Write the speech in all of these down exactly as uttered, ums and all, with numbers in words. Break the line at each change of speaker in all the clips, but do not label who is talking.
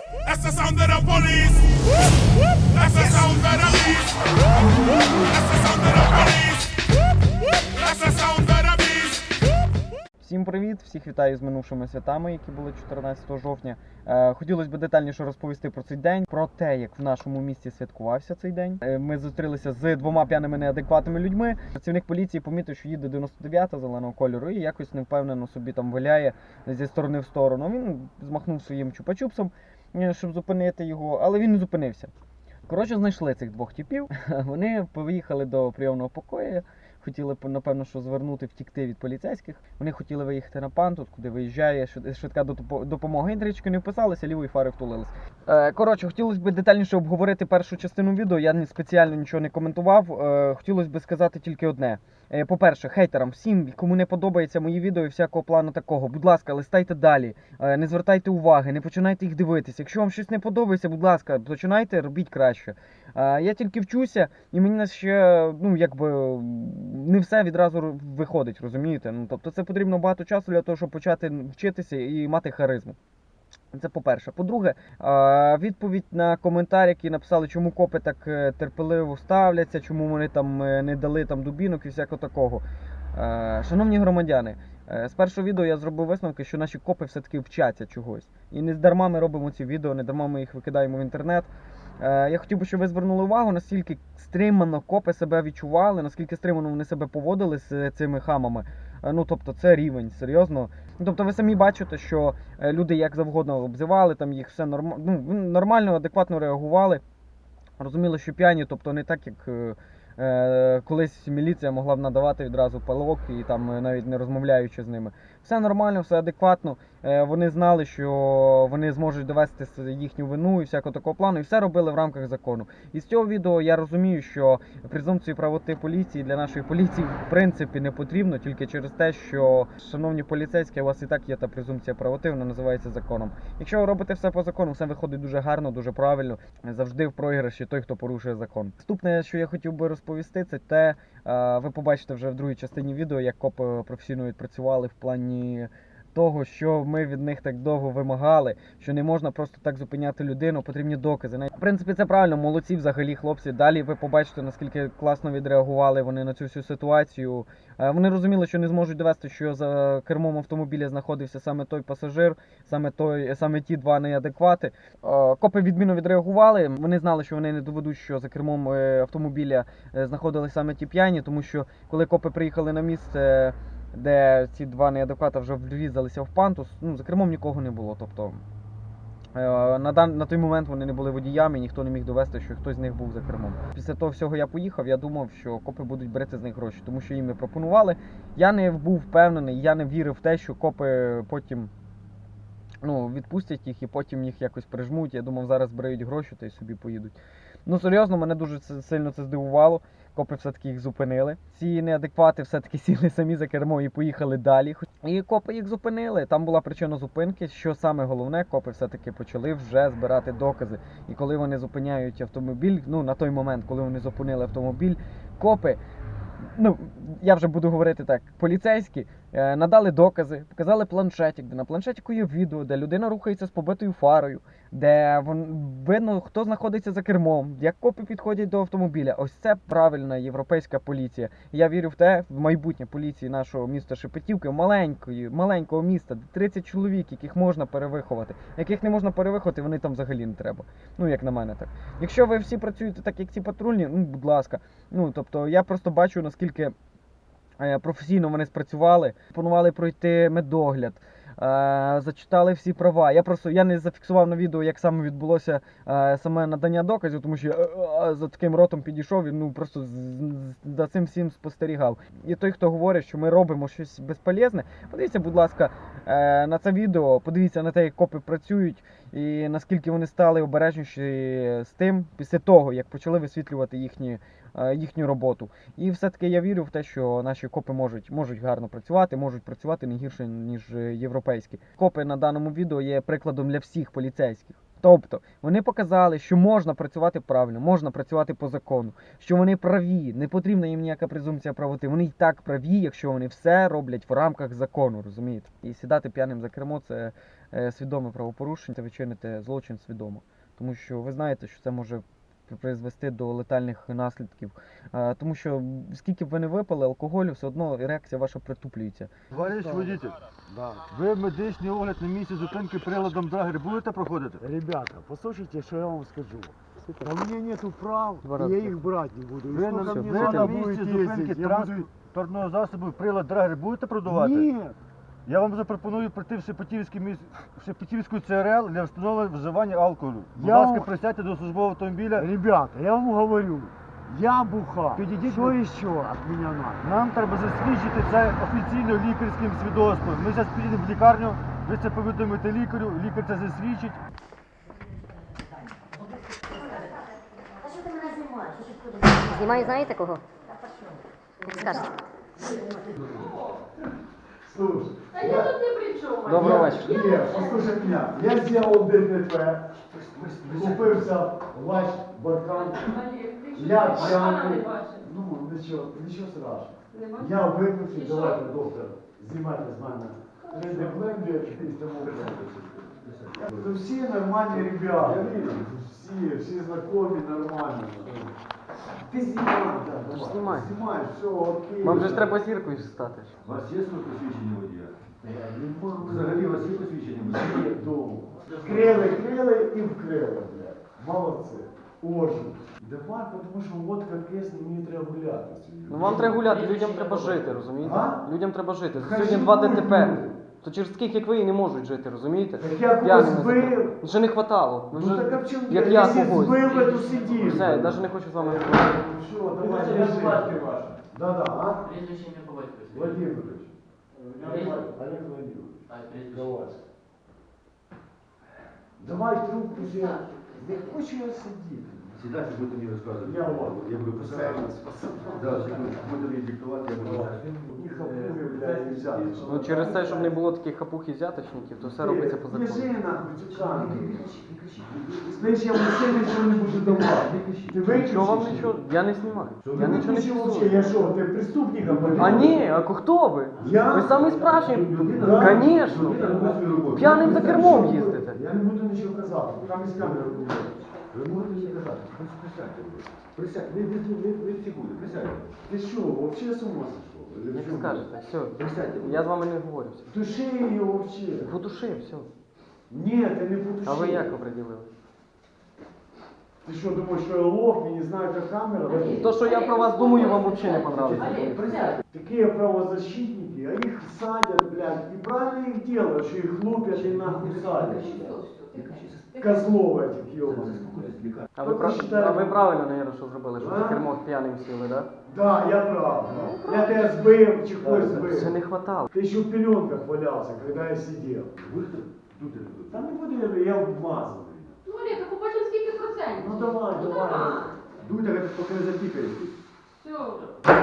That's the sound of the police. That's the sound of the beast. That's the sound of the police. That's the sound of the beast.
Всім привіт! Всіх вітаю з минувшими святами, які були чотирнадцятого жовтня. Е, хотілося б детальніше розповісти про цей день, про те, як в нашому місті святкувався цей день. Е, ми зустрілися з двома п'яними неадекватними людьми. Працівник поліції помітив, що їде дев'яносто дев'ята зеленого кольору і якось невпевнено собі там виляє зі сторони в сторону. Він змахнув своїм чупа-чупсом, щоб зупинити його, але він не зупинився. Коротше, знайшли цих двох типів. Вони поїхали до прийомного покою. Хотіли, напевно, що звернути, втікти від поліцейських. Вони хотіли виїхати на Пантус, куди виїжджає швидка допомога. Інтрички не вписалися, лівої фари втулились. Коротше, хотілося б детальніше обговорити першу частину відео. Я спеціально нічого не коментував. Хотілося б сказати тільки одне. По-перше, хейтерам, всім, кому не подобається мої відео і всякого плану такого, будь ласка, листайте далі, не звертайте уваги, не починайте їх дивитися. Якщо вам щось не подобається, будь ласка, починайте, робіть краще. Я тільки вчуся, і мені ще, ну, якби, не все відразу виходить, розумієте? Ну, тобто це потрібно багато часу для того, щоб почати вчитися і мати харизму. Це по-перше. По-друге, відповідь на коментар, який написали, чому копи так терпеливо ставляться, чому вони там не дали там дубінок і всякого такого. Шановні громадяни, з першого відео я зробив висновки, що наші копи все-таки вчаться чогось. І не здарма ми робимо ці відео, не дарма ми їх викидаємо в інтернет. Я хотів би, щоб ви звернули увагу, наскільки стримано копи себе відчували, наскільки стримано вони себе поводили з цими хамами. Ну, тобто, це рівень, серйозно. Тобто, ви самі бачите, що люди як завгодно обзивали, там їх все норм... ну, нормально, адекватно реагували. Розуміли, що п'яні, тобто не так, як е, колись міліція могла б надавати відразу палок і там навіть не розмовляючи з ними. Все нормально, все адекватно. Е, вони знали, що вони зможуть довести їхню вину і всякого такого плану, і все робили в рамках закону. І з цього відео я розумію, що презумпцію правоти поліції для нашої поліції в принципі не потрібно, тільки через те, що, шановні поліцейські, у вас і так є та презумпція правоти, вона називається законом. Якщо ви робите все по закону, все виходить дуже гарно, дуже правильно, завжди в програші той, хто порушує закон. Наступне, що я хотів би розповісти, це те, ви побачите вже в другій частині відео, як копи професійно відпрацювали в плані того, що ми від них так довго вимагали, що не можна просто так зупиняти людину, потрібні докази. В принципі, це правильно, молодці взагалі хлопці. Далі ви побачите, наскільки класно відреагували вони на цю всю ситуацію. Вони розуміли, що не зможуть довести, що за кермом автомобіля знаходився саме той пасажир, саме, той, саме ті два неадеквати. Копи відмінно відреагували, вони знали, що вони не доведуть, що за кермом автомобіля знаходились саме ті п'яні, тому що коли копи приїхали на місце, де ці два неадеквата вже врізалися в Пантус, ну, за кермом нікого не було. Тобто на, дан... на той момент вони не були водіями, ніхто не міг довести, що хтось з них був за кермом. Після того всього я поїхав, я думав, що копи будуть брати з них гроші, тому що їм не пропонували. Я не був впевнений, я не вірив в те, що копи потім, ну, відпустять їх і потім їх якось прижмуть. Я думав, зараз збирають гроші та й собі поїдуть. Ну, серйозно, мене дуже сильно це здивувало. Копи все-таки їх зупинили. Ці неадеквати все-таки сіли самі за кермо і поїхали далі. І копи їх зупинили. Там була причина зупинки. Що саме головне, копи все-таки почали вже збирати докази. І коли вони зупиняють автомобіль, ну, на той момент, коли вони зупинили автомобіль, копи, ну, я вже буду говорити так, поліцейські, е, надали докази, показали планшетик, де на планшетику є відео, де людина рухається з побитою фарою, де вон, видно, хто знаходиться за кермом, як копи підходять до автомобіля. Ось це правильна європейська поліція. Я вірю в те, в майбутнє поліції нашого міста Шепетівки, маленької, маленького міста, де тридцять чоловік, яких можна перевиховати. Яких не можна перевиховати, вони там взагалі не треба. Ну, як на мене так. Якщо ви всі працюєте так, як ці патрульні, ну, будь ласка. Ну, тобто, я просто бачу, наскільки професійно вони спрацювали, планували пройти медогляд, зачитали всі права. Я просто я не зафіксував на відео, як саме відбулося саме надання доказів, тому що я за таким ротом підійшов і, ну, просто за цим всім спостерігав. І той, хто говорить, що ми робимо щось безполезне, подивіться, будь ласка, на це відео, подивіться на те, як копи працюють і наскільки вони стали обережніші з тим, після того, як почали висвітлювати їхні, їхню роботу. І все-таки я вірю в те, що наші копи можуть, можуть гарно працювати, можуть працювати не гірше, ніж європейські. Копи на даному відео є прикладом для всіх поліцейських. Тобто вони показали, що можна працювати правильно, можна працювати по закону, що вони праві, не потрібна їм ніяка презумпція правоти. Вони й так праві, якщо вони все роблять в рамках закону, розумієте? І сідати п'яним за кермо це е, свідоме правопорушення, це ви чините злочин свідомо. Тому що ви знаєте, що це може призвести до летальних наслідків. Е, тому що скільки б ви не випили алкоголю, все одно реакція ваша притуплюється.
Товариш водитель,
Да.
ви медичний огляд на місці зупинки приладом Драгер будете проходити?
Ребята, послушайте, что я вам скажу. А у меня нету прав,
Два
и
раза.
я их брать не буду. И
Ви на,
сколько мне
ви на
надо
місці
будет
зупинки
ездить, я буду...
транспортного засобу прилад Драгер будете продавати?
Нет,
Я вам запропоную прийти в Шепетівський міс... в Шепетівську Це Ер Ел для встановлення вживання алкоголю. Будь
Я
ласка,
вам-
присядьте до службового автомобіля.
ребята, я вам говорю, я буха.
Підійдіть
Что
ви-
еще от меня надо?
Нам треба засвідчити це офіційно лікарським свідоцтвом. Ми зараз підійдемо в лікарню, ви це повідомите лікарю, лікар це засвідчить.
А що ти мене знімаєш? Що ти ходиш?
Знімаю, знаєте кого? Скажете.
Слушай,
А я тут не при чому.
Доброго вечора.
нет, послушай меня. Я сделал ДТП, купився ваш баркан.
Олег, ти що
Я
ти пана не
п'яний.
бачив?
Ну, нічого, нічого страшного.
Не бачив?
Я
І
виключив,
що?
давайте, доктор, знімайте з мене. три Д-бленди і тому подобне. То всі нормальні ребята. Всі, всі знайомі, нормальні. Ти знімай, да, давай.
знімай.
Знімай, все, окей.
Вам же ж треба зіркою стати.
У вас є своє посвідчення водія?
Нема,
Взагалі у вас є посвідчення водія?
є вдома. Крили, крили і вкрили, блядь. Молодці. Ожу. Давай, тому що от як мені треба гуляти сьогодні.
Ну вам треба гуляти, людям треба жити, розумієте?
А?
Людям треба жити.
Хай
Сьогодні два
живуть
ДТП.
люди.
То через таких, як ви, і не можуть жити, розумієте?
Так я когось
П'яними за
збив.
кермом. Вже не хватало. Ви
Ну
вже,
так а в чому?
як я
Якщо
когось.
збив, би, то сидів.
Все, я навіть не хочу з вами говорити.
Ну що, давай, держи. Да-да, а?
Прізвище ім'я по батькові.
Владимирович.
Олег?
Олег Владимирович.
А, прізвище.
Давай. Давай трубку взяти. Не хочу я сидіти.
Сідайте, будете мені розказувати.
Я вам.
Я буду писати. Да, секунду, будете мені диктувати, я буду.
І хапуги, блядь, взяти.
Ну через те, щоб не було таких хапух і взяточників, то все робиться по закону.
Лежи нахуй, цю камеру. Знаєш, я вообще нічого не буду давати. Ти виключиш?
Що вам нічого? Я не знімаю. Я нічого не
Виключи вообще,
фіксую.
я що, ти преступника повів?
А ні, а хто ви?
Я?
Ви самий справжній.
Да?
Звісно.
Людина робить свою роботу.
П'яним за кермом їздите.
Я не буду нічого казати, там із камери буде.
Ви можете мені казати, присядьте. Присядьте, ви, ви, ви, ви секунду, присядьте.
Ти що, вообще з ума сошел? Или в
Як
чому?
скажете, все.
Присядьте.
Я з вами не говорю.
Души її вообще.
Подуши, все.
Ні, ти не подуши.
А ви як оприділили?
Ти що, думаєш, що я лох, я не знаю, як камера?
То, що я про вас думаю, вам взагалі не понравится.
Олег, присядь.
Такие правозащитники, а их садят, блядь, и правильно их делают, что их лупят и нахуй садят. Козлов этих ебаных.
А ви, прав... а ви правильно, наверное, що зробили, що за кермо п'яним сіли, да?
Да, я прав. Я тебя сбил, чехой
Це не
сбил.
хватало.
Ты еще в пеленках валялся, когда я сидел.
Будете тут или тут?
Там не буду, я, я вмазанный.
Ну, Олег, а побачимо скільки процентів.
Ну давай,
Ну,
давай.
давай.
Дуйте, як поки не запікає.
Все вже.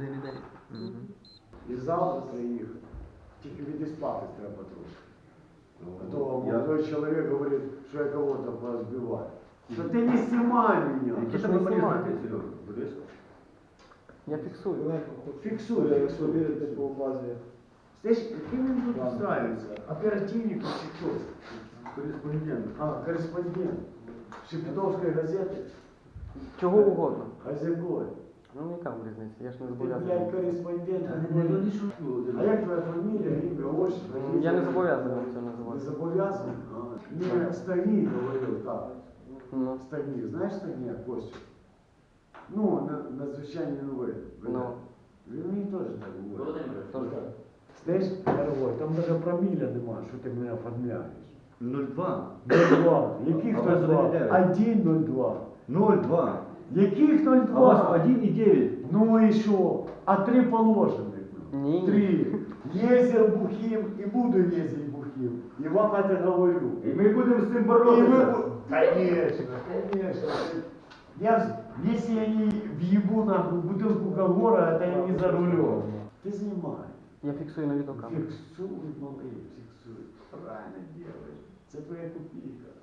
І завтра їхати. Тільки відіспати треба трошки. А то
Я-
молодой человек говорит, что я кого-то позбиваю. Да ты не снимай меня.
Які
ж
там
не
номери
знімаю.
знаки, Серега? Будеш?
Я фіксую.
Фиксуй, фиксуй. по базе. Знаешь, каким им тут устраивается? Оперативник и кто?
Кореспондент.
А, корреспондент. Шепетовской газеты.
Чого угодно.
Хозяйкой.
Ну яка вам різниця, я ж не
Ты, блядь,
зобов'язаний.
корреспондент.
Не, ну не шучу.
А як твоя фамилия, имя, отчество?
М, Я не зобов'язаний вам це
Не
називати.
зобов'язаний? Не, Стагній говорив так.
Ну,
Стагній, знаєш Стагнія, Костю? Ну, на, надзвичайні новини.
ну,
Він мені теж так говорить.
Володимир,
тож.
Знаєш, дорогой, там навіть проміля нема, що ти мене оформляєш.
нуль два.
нуль два. Яких
А у
нуль
вас
два?
один дев'ять.
один нуль два.
нуль два.
Яких нуль
А у вас
два?
один і дев'ять.
Ну і що? А три положених.
Ні.
Три. Ездил бухим и буду ездить бухим. И вам это говорю.
І ми будемо з цим
И
боротися.
вы... Конечно, конечно. Я, в- если я не въебу нахуй бутылку Кагора, это я не за рулем. Ты снимай.
Я фіксую на відеокамеру.
Фиксуй, малый, фиксуй. Правильно делаешь. Это твоя копейка.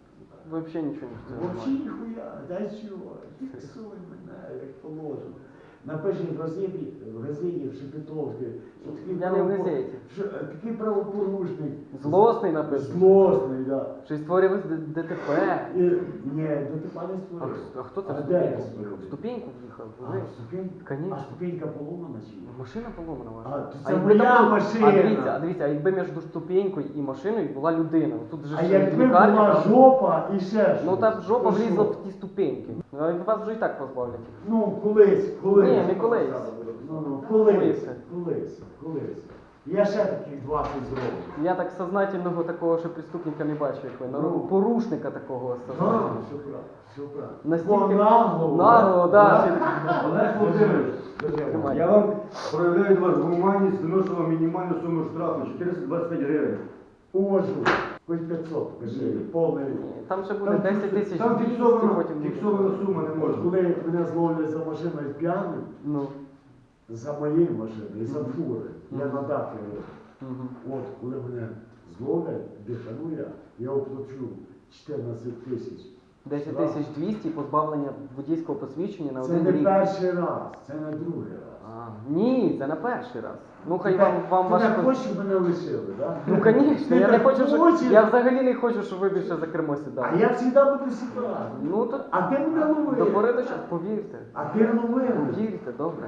взагалі нічого не встигаю.
Вообще ніхуя, дай чого, фіксуй мене, як положено. Напиши в газеті, в газеті, в Шепетовській, що такий
Я не в
правопор-
газеті.
що, е, такий правопорушник.
Злосний написано.
Злосний, да.
Що й створив Д- ДТП.
І, ні, до ти пане
А,
створив.
х- а хто це
А
в
де
ступеньку
я
в'їхав? В
створив?
ступеньку в'їхав?
А,
Ви?
ступенька?
Конечно.
А ступенька поломана чи ні?
Машина поломана ваша.
А, то
А
це
якби
моя
там була-
машина.
А дивіться, а дивіться, а якби між ступенькою і машиною була людина. Тут же
А
ж
якби
лікарня,
була
там-
жопа і ще щось.
Ну та жопа
то що?
влізла в ті ступеньки. А вас вже і так позбавлять.
Ну, колись, колись.
Ні, не колись.
Ну, ну, колись,
Колись.
колись, колись. Я ще таких двадцять зроблю.
Я так сознательного такого, що преступника не бачу, як ви.
Ну.
Порушника такого
А,
сознательного.
все правильно, все правильно.
Настільки
По наглому.
нагло, да.
Олег Володимирович,
Тримай.
я вам проявляю до вас гуманність, виношу вам мінімальну суму штрафу чотириста двадцять п'ять гривень.
Уважу. Хоч п'ятсот, кажи, повний.
Там ще буде
Там
десять тисяч
Там
двісті,
фіксована,
потім буде.
фіксована сума не
От
може.
коли мене зловлять за машиною п'яним,
Ну.
за моєю машиною, за фури, я
Мгм.
на дах їду.
Мгм.
От, коли мене зловлять, дихану я, я оплачу чотирнадцять тисяч.
десять тисяч двісті позбавлення водійського посвідчення на
Це
один
не
рік.
перший раз, це не другий раз.
А, ні, це на перший раз. Ну хай
Ти
вам,
так-
вам
ти
ваше...
так хочеш, щоб мене лишили, так?
Ну, звісно,
Ти
я не
так
хочу, щоб...
хочеш?
Я взагалі не хочу, щоб ви більше за кермо
А
сідали.
я завжди буду сідати.
Ну, то
А ти мене
до
ловив.
пори до часу, повірте.
А ти ловив.
Повірте, добре.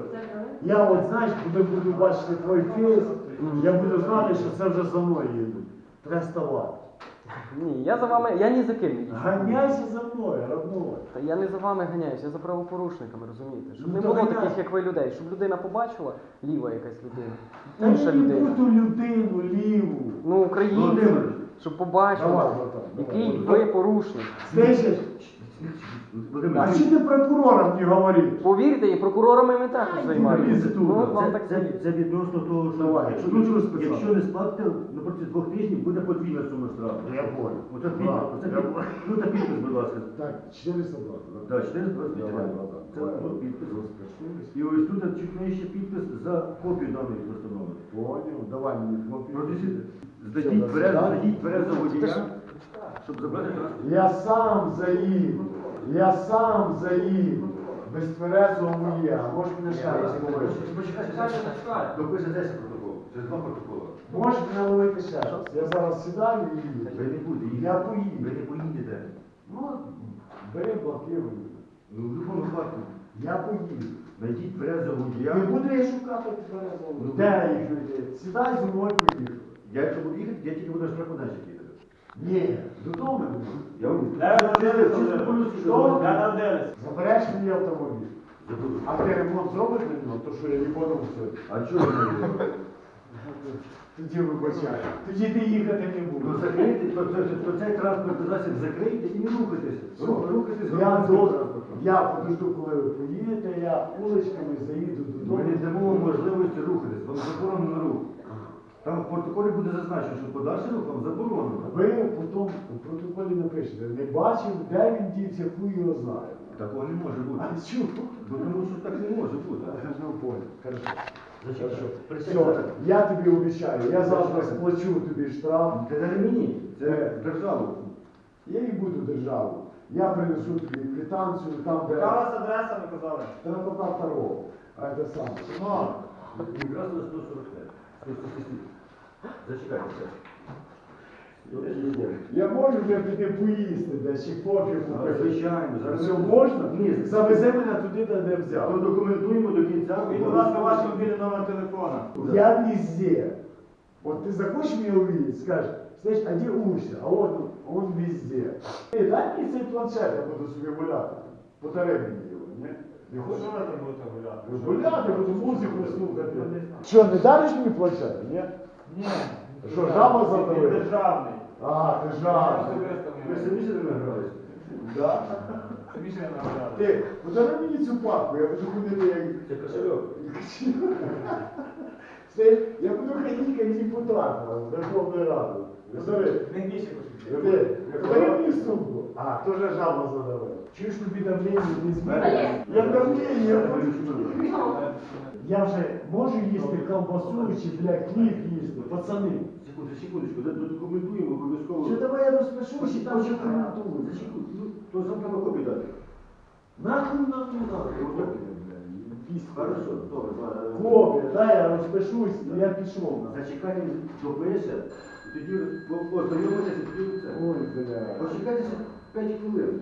Я от, знаєш, коли буду бачити твій фейс, я буду знати, що це вже за мною їдуть. Треба ставати.
Ні, я за вами, я ні за ким не їду.
Ганяйся за мною, родной.
Та я не за вами ганяюсь, я за правопорушниками, розумієте? Щоб
Ну,
не
то
було
ганяй.
таких, як ви, людей. Щоб людина побачила, ліва якась людина,
Та
інша
не
людина.
ту людину, ліву.
Ну, українці,
Володимир,
щоб побачили,
Давай, братан,
який
давай.
ви порушник.
Слышиш?
Володимир,
А чи ти прокурором не говориш?
Повірте, і прокурорами ми також займаємося.
тут,
Ну,
да.
вам так
це, це, це відносно того, що
Давай,
якщо,
ключ
ви-
розписати.
якщо не сплатите, на протязі двох тижнів буде подвійна сума штрафу.
Я понял.
Оце
Да,
підпис, оце
я
підпис.
понял.
Ну та підпис, будь ласка.
Так, чотириста двадцять.
Так, чотириста двадцять п'ять
Давай,
гривень.
братан,
Це
давай.
ну, підпис.
Розпишись.
І ось тут чуть нижче підпис за копію даної постанови.
Понял, давай мені копію.
Продюсер,
Все,
здадіть
до
тверезо,
свидання.
здадіть тверезо водія, щоб забрати транспорт.
Я сам заїду, я сам заїду. Без тверезого моє, а можеш мене ще раз ловити?
Допише десять протоколів, це два протоколи.
Можеш мене ловити ще раз? Я зараз сідаю і
Ви
їду.
не будете їхати.
Я
Ви
поїду.
не поїдете.
Ну, бери блокируй.
Ну, в будь-якому випадку.
Я поїду.
Знайдіть тверезого водія.
Не буду я шукати тверезого.
Ну,
Де їх знайти? Сідай зі мною поїду.
Я якщо буду їхати, я тільки буду на штрафмайданчик їхати.
Ні, додому не буду.
Я вам
Чисто по-людськи,
Що?
що? Забереш мені автомобіль.
забуду.
А ти ремонт зробиш на нього, то що я не подумав сьогодні.
А чого ви не робите?
Тоді вибачаю. Тоді ти їхати не
Ну
будеш.
закрийте, то, то, то, то цей транспортний засіб закрийте і не рухайтесь. Ру- Рухайтесь
Я
громадським
до,
транспортом.
я подожду, коли ви поїдете, я вуличками заїду
Ми
додому.
не дамо вам можливості рухатись, вам заборонено рух. Там в протоколі буде зазначено, що подальший рух вам заборонено.
Ви потім у протоколі напишете, не бачив, де він дівся, хуй його знає.
Такого не може бути.
А чого?
Бо тому що так не може бути.
Ну, понял, хорошо.
Зачекайте.
Хорошо.
Присядьте.
Все, я тобі обіцяю, я завтра сплачу тобі штраф.
Це не мені, це державу.
Я і буду державу. Я принесу тобі квитанцію, там де...
Яка у вас адреса, ви казали?
Трапота второго. А це саме. Ну,
Якраз на сто сорок п'ять. сто сорок шість. Зачекайте.
я можу вже піти поїсти десь, чи кофі
А,
купити.
Звичайно. Зараз
Все можна?
Ні.
Завези мене туди, де не
То
взяв.
документуємо до кінця.
І, будь ласка, ваш мобільний номер телефона.
Я везде. Вот ты захочешь меня увидеть, скажешь, знаешь, а где Уся? А он, он везде. Эй, дай мне цей планшет, я буду себе гуляти. Подари мені його, ні? Не хочеш?
Що ви там будете гуляти?
Гуляти, буду музику слухати. Що, не дариш мені планшет, ні?
Ні.
Що, жаба
Він
задавила?
державний.
А, ти
Я
жадний.
особисто
Ви
не
самі себе не гралися?
Да?
Самі ще не нагадали.
Ти, подари мені цю папку, я буду ходити як...
Це кошельок.
Знаєш, я буду ходити як депутат на Верховної Ради. Подари.
Він більше
Ти, подари мені мою сумку? А, тоже жаба задавила. Чуєш, тобі давлення не змінює?
Олег.
Я давлення. Я вже можу їсти колбасу чи, бля, хліб їсти, пацани.
Секунду, секундочку, да- документуємо обов'язково.
Що давай я розпишусь і там вже коментую.
За секунду, ну, то завтра на копію дати.
Нахуй нам не надо.
Копію, Хорошо, добре. ба-
Копія, дай я розпишусь, і я пішов. нахуй.
Зачекайте, допише, і тоді по- познайомитися, і тоді це.
Ой, бля.
Почекайте п'ять хвилин.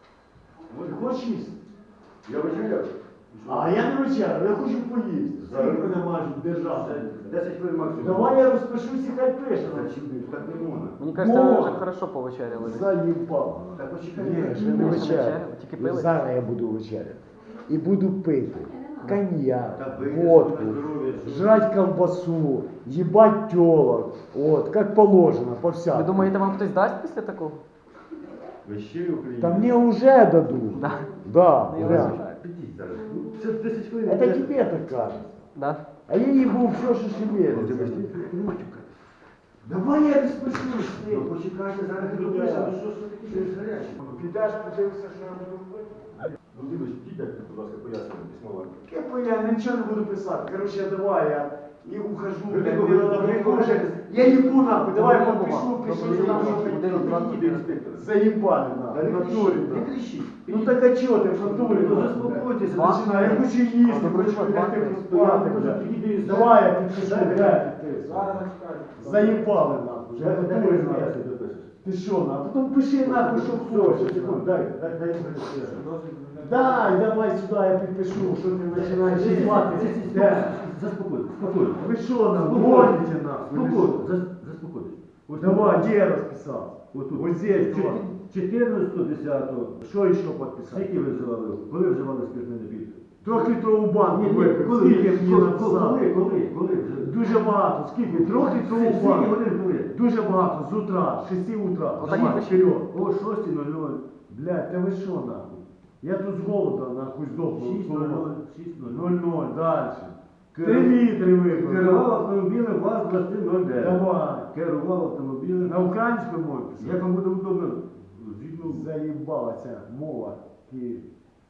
Ти хочеш їсти?
Я вечеряв.
А я не вечерю, я хочу поїсти.
Зараз.
Скільки мене мають держати?
десять хвилин максимум.
Давай я розпишусь і хай пише.
Так, так не можна.
Мені кажеться, ви
Во!
вже хорошо повечеряли.
Заїбав.
Так почекайте.
Ні, ще не
Ні, ще не
вечеря.
вечеря, тільки пили.
Зараз я буду вечеряти. І буду пити коньяк,
Та пийте,
водку,
собі на здоров'я, що-
жрать колбасу, їбать тёлок. От, как положено, по
Ви
всякому.
думаєте, вам хтось дасть після такого?
Ви щирі українці.
Та мне уже дадут.
Да.
Да,
Ну, я
реально.
вважаю.
Підіть зараз. Ну, це десять хвилин.
Это тебе так кажется.
Да?
А я ебу все, что
Ну, ти
шевелится.
бачиш, ти не матюка.
Давай я розпишусь.
Ну, почекайте, зараз не допишемо, що ж таке щось гаряче.
Підеш, подивишся, що я буду пити.
Ну, дивись, дідьте, будь ласка, пояснення письмова.
Кепу я ничего не буду писать. Короче, давай я и ухожу.
Вы
блядь,
такой,
мне
вы
надо
такой,
прикол
вы
уже.
такой.
Я ебу нахуй, давай я
Проблема
подпишу,
была.
пишу,
Проблема
что там
была.
что
Один,
хотел.
два,
Підійди, інспектор.
Заебали
Та
нахуй,
не
в натуре
кричіть, не
нахуй.
кричіть.
Ну так а чё ты в натуре?
Ну,
нахуй,
заспокойтесь,
блядь?
начинай.
Я хочу
А,
їсти,
добре,
хочу
чувак,
лягти
ладно.
поспати,
Я
блядь.
підійду,
Давай я підпишу,
дай,
блядь, підпишу. Заебали нахуй, вже в
Дай, дай,
натуре
дай,
нахуй.
дай, допишеш.
Ти що, нахуй? Потім пиши нахуй, що
Все,
хочеш.
ще секунду,
нахуй.
дай, дай, дай, дай, дай.
Дай, давай сюди, я підпишу, що ти починаєш їбати. Де?
Заспокойтесь, спокойно.
Ви що нам гоните нахуй?
Спокойно, зас- заспокойтесь. Ось
Давай,
тут.
де розписав?
Ось тут.
Ось здесь, давай.
чотирнадцятого десятого.
Що ще підписати?
Скільки ви вживали? Коли вживали спиртний напій?
Трьохлітрову банку
Ні, ні,
випив.
коли,
Скільки мені
коли,
написав?
коли, коли, коли? вже?
Дуже багато. Скільки? Трьохлітрову
Скільки
банку.
годин коли?
Дуже багато. З утра, з шести утра.
Отак
Давай,
і пиши.
вперед.
О шостій нуль нуль.
Блядь, та ви що нахуй? Я тут з голода нахуй здохну.
шість нуль нуль. шість нуль нуль.
Ноль-ноль, далі. Три
Керував-
літри випив.
Керував автомобілем ВАЗ двадцять нуль дев'ять.
Давай.
Керував автомобілем.
На українською мові писати?
Як вам буде удобно? Згідно.
Заїбала ця мова. Київ.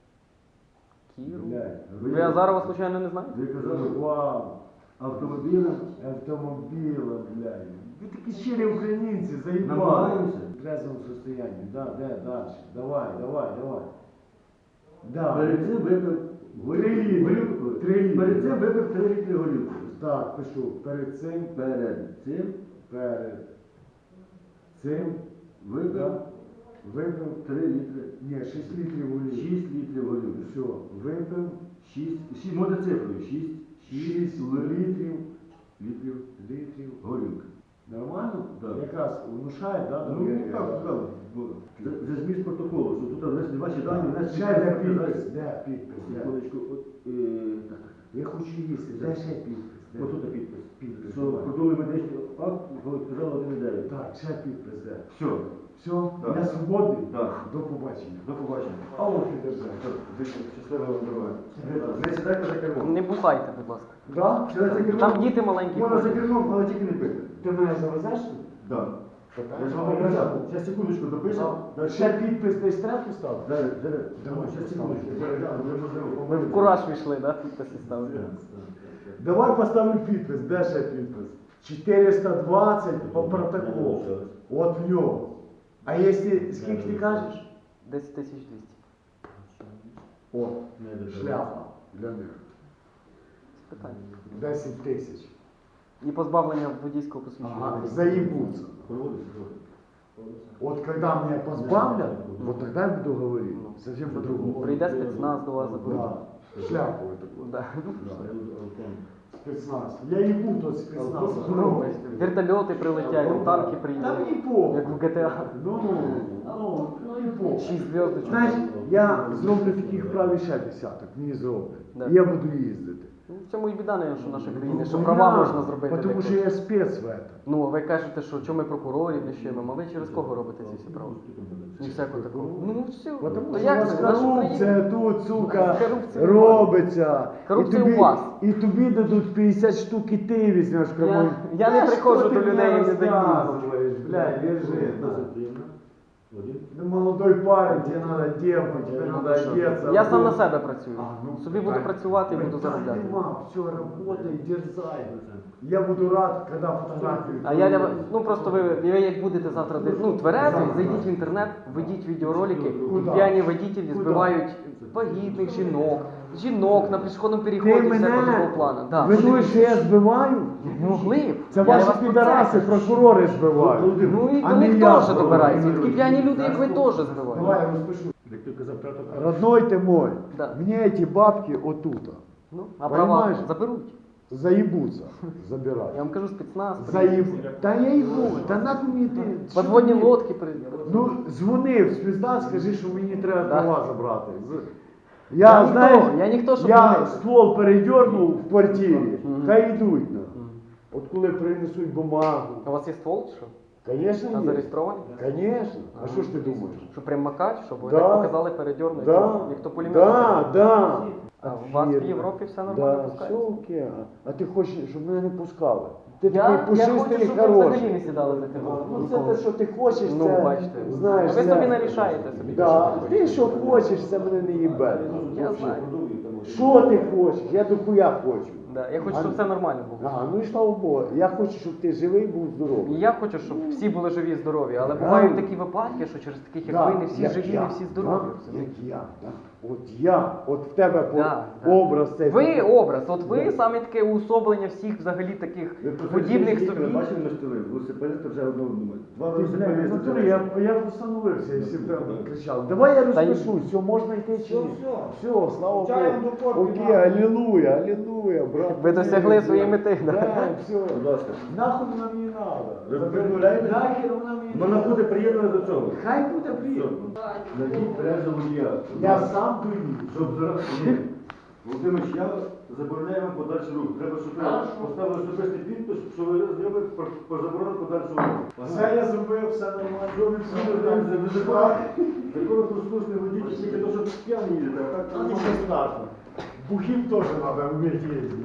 Кіру.
Блядь.
Ви Азарова, случайно, не знаєте?
Ви казали
Вау.
автомобілем.
Автомобіла, блядь. Ви такі щирі українці, заїбали.
Намагаємося.
В трезвому состоянии. Да, де, дальше. Давай, давай, давай. Да.
Перед цим випив
Три літри.
горілку.
Три літри.
Перед цим випив три літри горілки.
Так, пишу. Перед цим,
Перед цим
перед цим,
випив
да, випив,
три літри.
ні, шість літрів олії.
шість літрів горілки.
Все, випив
шість, шість, можна цифрою. шість,
шість літрів,
літрів
літрів.
горілки.
Нормально?
Так.
Якраз внушає, да?
Ну,
довір'я,
так,
да?
так. Це це зміст протоколу, що тут внесли ваші дані, внесли
Ще де підпис, де підпис, де?
Секундочку, от, е, так, так.
Я хочу їсти, де ще підпис? Де?
Ось тут підпис.
Підпис,
Що
давай.
продовжує медичний акт, коли сказали один дев'ять.
Так, ще підпис, де?
Все,
Все,
Так.
я свободний?
Так.
До побачення.
до побачення.
А ось і держава.
Щасливого вам дороги. Не сідайте за кермом.
Не бухайте, будь ласка.
Да?
Сідайте за кермом.
Там діти маленькі
Можна за
ходять.
кермом, але тільки не пити.
Ти мене завезеш?
Так. Я ж вам обіцяв. Зараз секундочку допишемо.
Да. Ще підпис десь треба поставити?
Зараз, зараз.
Давай,
Зараз секундочку. Зараз, зараз, вже можливо.
Ви в кураж війшли, да? Підписи ставили.
Давай поставлю підпис, де ще підпис? чотириста двадцять по протоколу. От в нього. А якщо, скільки ти кажеш?
десять тисяч двісті.
О, шляпа для них.
Питання.
десять тисяч.
І позбавлення водійського посвідчення.
Ага, заебутся.
Проводиться.
Вот когда меня позбавлят, вот тогда я буду говорить. Совсем по-другому.
Прийде спецназ до вас заберуть.
Да, шляпу такую.
Да.
Спецназ. Я ебу тот спецназ.
Ну, вертольоти прилетять, танки
Там
приїдуть.
не похуй.
Як в ге те а.
Ну, ну, ну, не похуй.
Шість зв'язочок.
Знаєш, я зроблю таких прав ще десяток, мені зроблять.
Да.
І я буду їздити.
Ну, в цьому і біда, не, що наша країна, що
Ну,
права
я-
можна зробити.
Тому
так
що
от.
я спец в этом.
Ну, ви кажете, що чому ми прокурорів лишимо, а ви через кого робите ці всі права? Ні всякого такого. Ну, все.
Потому
То
що у
як
вас
це? Наша
корупція
Україна?
тут, сука,
Корупція
робиться.
Корупція
і тобі,
у вас.
І тобі дадуть п'ятдесят штук, і ти візьмеш прямой.
Я не
Та
приходжу
що
до
ти
людей
мені
і не даю.
розказуєш, блядь, лежи.
Досить приємно. Один.
Ну, молодой парень, тебе надо девку, тебе надо одеться.
Я сам на себе працюю.
А, ну,
Собі буду працювати і буду
Питань
заробляти.
нема, все, работай, дерзай. Я буду рад, когда фотографию.
А я для- ну просто ви, ви як будете завтра десь, ну тверезий, зайдіть в інтернет, введіть відеоролики,
Куда?
п'яні водителі
Куда?
збивають вагітних жінок, жінок на пішохідному
Ти
переході всякого
мене
такого плану. Да.
винуєш, що я збиваю?
Не могли б.
Це
Я
ваші
вас про це
підараси,
кажу.
прокурори збивають.
Ну і
А
вони
не я
теж
збиваю.
добираються. І такі п'яні люди, як ви, теж збивають.
Давай я розпишу.
Як ти казав, тато,
Родной ты мой,
Да.
мне эти бабки отута
Ну, а права
Понимаешь?
заберуть.
заебутся, забирай.
Я вам кажу, спецназ.
Заеб... Да я ебу, та нахуй мені ти. що
Подводні
ти-
лодки прийдуть.
Ну, дзвони в спецназ, скажи, що мені треба
Да.
права забрати. З-
Я
Я,
ніхто,
знаєш,
я ніхто, щоб
я
не-
ствол передернув в квартирі,
Мгм.
хай йдуть. на.
Мгм.
От коли принесуть бумагу.
А у вас є ствол, чи що?
Конечно,
А
є.
зареєстрований?
Конечно. А що ж ти думаєш?
Що примакач, щоб ви
Да.
так показали передьорнути,
Да,
як то пулемет.
да, да.
А у вас в
Вірно.
Європі все
Да,
нормально
все
пускається?
окей. А ти хочеш, щоб мене не пускали? Ти
Я,
такий
я
пушистий
хочу,
і
щоб ви взагалі
хороший.
не сідали за
А,
кермо.
Ну це
Ніколи.
те, що ти хочеш,
Ну,
це,
бачите.
знаєш,
А ви
це-
собі нарішаєте собі.
Да,
що ви
ти
хочете.
що хочеш, це мене не їбе.
Я знаю.
Що ти хочеш? Я до хуя хочу.
Да, я хочу,
А-
щоб все нормально було.
Ага, ну і слава Богу. Я хочу, щоб ти живий був здоровий.
І я хочу, щоб всі були живі і здорові, але
Да.
бувають такі випадки, що через таких, як
Да,
ви, не всі
як
живі,
я,
не всі здорові.
да,
розумієте?
Як я, да. От я, от в тебе по-
Да, да.
образ цей.
Ви образ, от ви
Да.
саме таке уособлення всіх взагалі таких
Ви просто
подібних
їхали,
собі.
бачили на штили? Велосипедисти вже одного думають. Два
Ти, бля,
велосипедисти.
ну,
вже
Анатолій, я, я встановився, якщо б там
Да.
кричав. Давай я
Та й-
розпишу, все, можна йти чи ні?
Все,
Все, слава
Чаєм до
Богу.
корки,
Окей,
на.
алілуя, алілуя, брат.
Ви досягли своєї мети, да?
Да, все.
Будь ласка.
Нахуй вона мені надо.
Ви відмовляєтесь?
Нахер вона мені
Вона
надо.
буде приєднана до цього.
Хай буде приємно.
Найдіть бережно водія.
Я сам доїду.
Щоб зараз... Ні. Володимир, я забороняю вам подальший рух. Треба, щоб ви поставили особистий підпис, що ви зробили про, про заборону подальшого руху.
Все я зробив, все нормально.
Такого послушний водій, тільки то, що п'яний їдете, а так
Ну, нічого страшного. Бухим теж треба вміти їздити.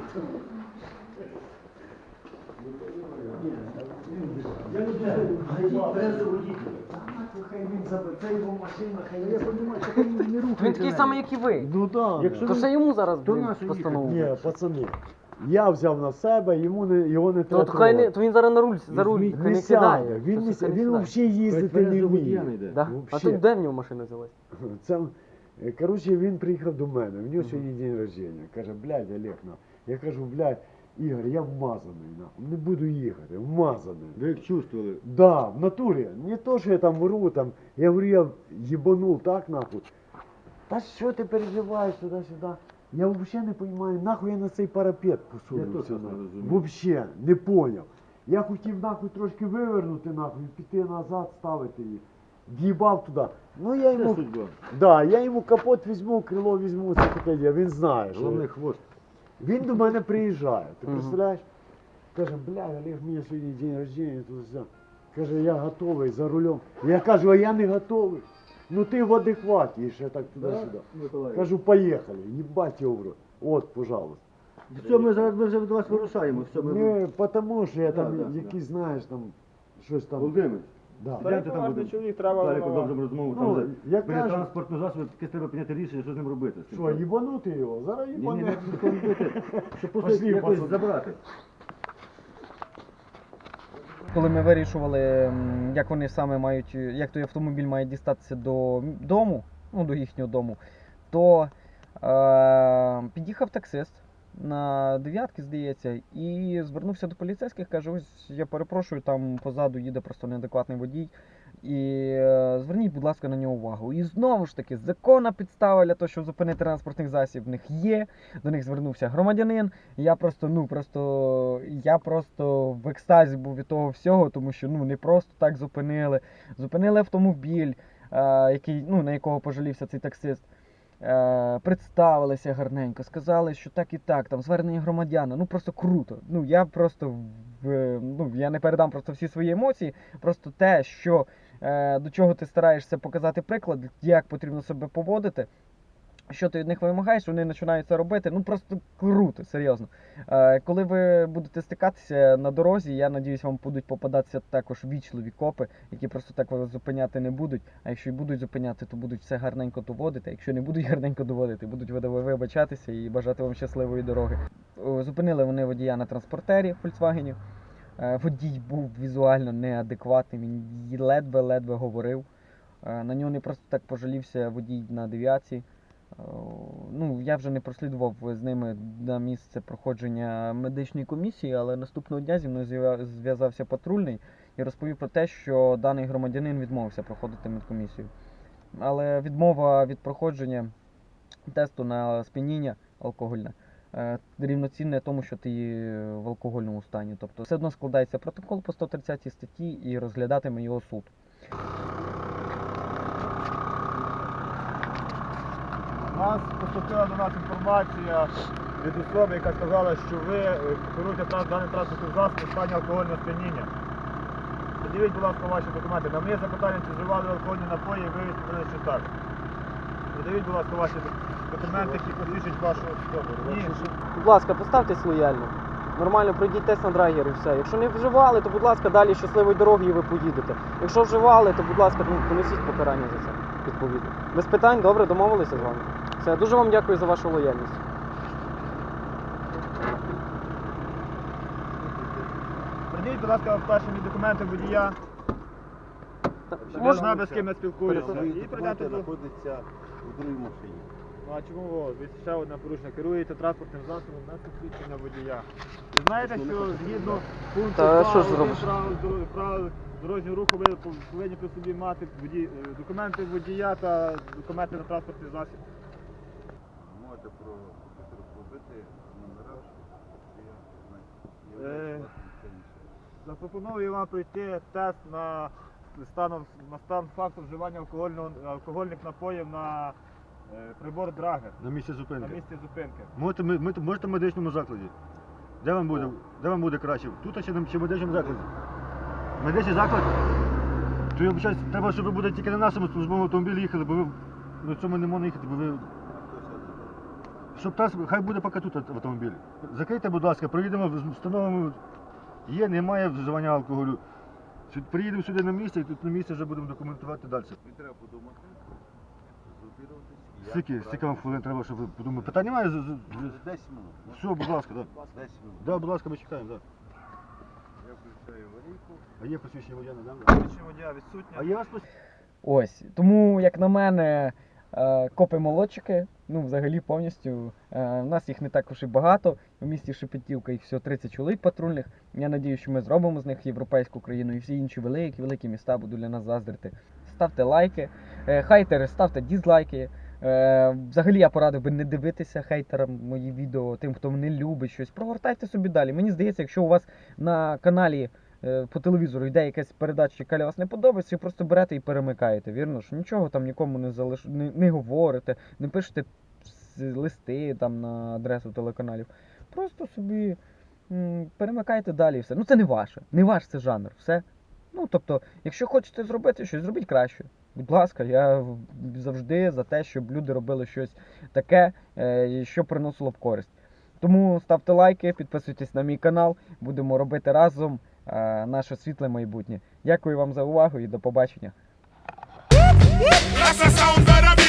Я не знаю,
бережно водій.
хай він забере, це його машина, хай я розумію, що він не рухається.
Він такий самий, як і ви.
Ну так.
Якщо
То ще йому зараз
То
блін,
нащо
постанову.
Ні, пацани, я взяв на себе, йому не, його не
То,
треба.
от хай не,
трогати.
то він зараз на руль, за руль,
Він
хай
не
не сідає.
сяде, він,
То
не
хай
сяде,
не
він
сідає.
взагалі їздити не вміє.
Да? А
Вообще.
тут де в нього машина взялась?
Це, е, коротше, він приїхав до мене, в нього сьогодні день рождення. Каже, блядь, Олег, на. Я кажу, блядь, Ігор, я вмазаний, на. Не буду їхати, вмазаний.
Ви як чувствували?
Да, в натурі. Не то, що я там вру, там, я говорю, я їбанув так, нахуй. Та що ти переживаєш туди-сюди? Я взагалі не розумію, нахуй я на цей парапет
Я
посунувся.
теж не
нахуй.
розумію.
Вообще, не поняв. Я хотів нахуй трошки вивернути, нахуй, піти назад, ставити її. В'їбав туди. Ну я
Це
йому,
судьба.
да, я йому капот візьму, крило візьму, це таке діло, він знає. Що...
Головний хвост.
Він до мене приїжджає, ти
Мгм.
представляєш? Каже, бля, Олег, у мене сьогодні день рождения, туди-сюди. Каже, я готовий за рулем. Я кажу, а я не готовий. Ну ти в адекваті, і ще так туди-сюди. Кажу, поїхали, їбать його в рот. От, пожалуйста.
Все, ми зараз ми вже до вас вирушаємо. Все, ми...
Не, тому що я
Да,
там
да, да.
якісь, знаєш, там, щось там.
Володимир,
Да.
гляньте там буде.
чоловік треба
Далі
вимагати.
продовжимо розмову.
Ну,
Там
я
вже біля
кажу-
транспортного засобу якесь треба прийняти рішення, що з ним робити. з цим.
Що, їбанути його? Зараз
Ні, ні,
їбане.
не ніхто не робити. Щоб просто
Пошли,
якось
пацан.
забрати.
Коли ми вирішували, м, як вони саме мають, як той автомобіль має дістатися до м- дому, ну до їхнього дому, то е, під'їхав таксист на дев'ятки, здається, і звернувся до поліцейських, каже, ось я перепрошую, там позаду їде просто неадекватний водій. І е, зверніть, будь ласка, на нього увагу. І знову ж таки, законна підстава для того, щоб зупинити транспортний засіб, в них є. До них звернувся громадянин. І я просто, ну просто, я просто в екстазі був від того всього, тому що ну не просто так зупинили. Зупинили автомобіль, е, який, ну, на якого пожалівся цей таксист. Е, представилися гарненько, сказали, що так і так, там звернення громадяна, ну просто круто. Ну я просто в, ну я не передам просто всі свої емоції, просто те, що е, до чого ти стараєшся показати приклад, як потрібно себе поводити. що ти від них вимагаєш, вони починають це робити. Ну просто круто, серйозно. Е, коли ви будете стикатися на дорозі, я надіюсь, вам будуть попадатися також вічливі копи, які просто так вас зупиняти не будуть. А якщо і будуть зупиняти, то будуть все гарненько доводити. А якщо не будуть гарненько доводити, будуть вибачатися і бажати вам щасливої дороги. О, зупинили вони водія на транспортері Volkswagen. Е, водій був візуально неадекватним, він ледве-ледве говорив. Е, на нього не просто так пожалівся водій на дев'ятці. Ну, я вже не прослідував з ними на місце проходження медичної комісії, але наступного дня зі мною зв'я- зв'язався патрульний і розповів про те, що даний громадянин відмовився проходити медкомісію. Але відмова від проходження тесту на сп'яніння алкогольне е, рівноцінне тому, що ти в алкогольному стані. Тобто все одно складається протокол по сто тридцятій статті і розглядатиме його суд.
У нас поступила до нас інформація від особи, яка сказала, що ви е, керуєте транс- даний транспортний засіб у стані алкогольного сп'яніння. Подивіть, будь ласка, ваші документи. На моє запитання, чи вживали алкогольні напої, ви відповіли, що так. Подивіть, будь ласка, ваші документи, які посвідчують вашу особу. Ні.
Будь ласка, поставтесь лояльно. Нормально пройдіть тест на драгер і все. Якщо не вживали, то будь ласка, далі щасливої дороги і ви поїдете. Якщо вживали, то будь ласка, ну, понесіть покарання за це, відповідно. Без питань, добре, домовилися з вами. Все, дуже вам дякую за вашу лояльність.
Придіть, будь ласка, перші мені документи водія. Щоб я знав, з ким я спілкуюся. І прийдете до...
знаходиться у другій машині.
Ну а чому ви? Ви ще одне порушення. Керуєте транспортним засобом на посвідчення водія. Ви знаєте, що згідно пункту
Та що ж
правил
зробиш?
правил дор- правил дорожнього руху ви повинні при собі мати воді- е, документи водія та документи на транспортний засіб.
Можете про робити номера, що
Е, Запропоную вам пройти тест на стан, на стан факту вживання алкогольного, алкогольних напоїв на е, прибор Драгер
на місці
на
зупинки.
місці зупинки.
Можете, ми, ми- можете в медичному закладі. Де вам буде, де вам буде краще? Тут чи, на- чи в медичному закладі? Медичний заклад? То я вважаю, треба, щоб ви будете тільки на нашому службовому автомобілі їхали, бо ви на цьому не можна їхати, бо ви. Щоб транс, хай буде поки тут в автомобілі. Закрийте, будь ласка, проїдемо, встановимо. Є, немає вживання алкоголю. Сюди- Приїдемо сюди на місце і тут на місці вже будемо документувати далі.
Не треба подумати, зупинитись.
Скільки, скільки вам хвилин треба, щоб ви подумали? Питань немає? З- з- з-
десять минут.
Все, будь ласка, так. Да.
десять минут.
Да, будь ласка, ми чекаємо, так.
Я включаю аварійку.
А є посвідчення водія, не дам?
Посвідчення водія відсутнє.
А є у вас посвідчення?
Ось. Тому, як на мене, е, копи-молодчики, ну, взагалі повністю. Е, У нас їх не також і багато. У місті Шепетівка їх всього тридцять чоловік патрульних. Я надію, що ми зробимо з них європейську країну і всі інші великі, великі міста будуть для нас заздрити. Ставте лайки, е, хейтери, ставте дізлайки. Е, Взагалі я порадив би не дивитися хейтерам мої відео, тим, хто не любить щось. Прогортайте собі далі. Мені здається, якщо у вас на каналі е, по телевізору йде якась передача, яка вас не подобається, ви просто берете і перемикаєте, вірно? Що нічого там нікому не залиш... не, не говорите, не пишете с- листи там на адресу телеканалів. Просто собі м, перемикайте далі і все. Ну це не ваше, не ваш це жанр, все. Ну тобто, якщо хочете зробити щось, зробіть краще. Будь ласка, я в- завжди за те, щоб люди робили щось таке, е, що приносило б користь. Тому ставте лайки, підписуйтесь на мій канал, будемо робити разом е, наше світле майбутнє. Дякую вам за увагу і до побачення.
That's the sound of the beat.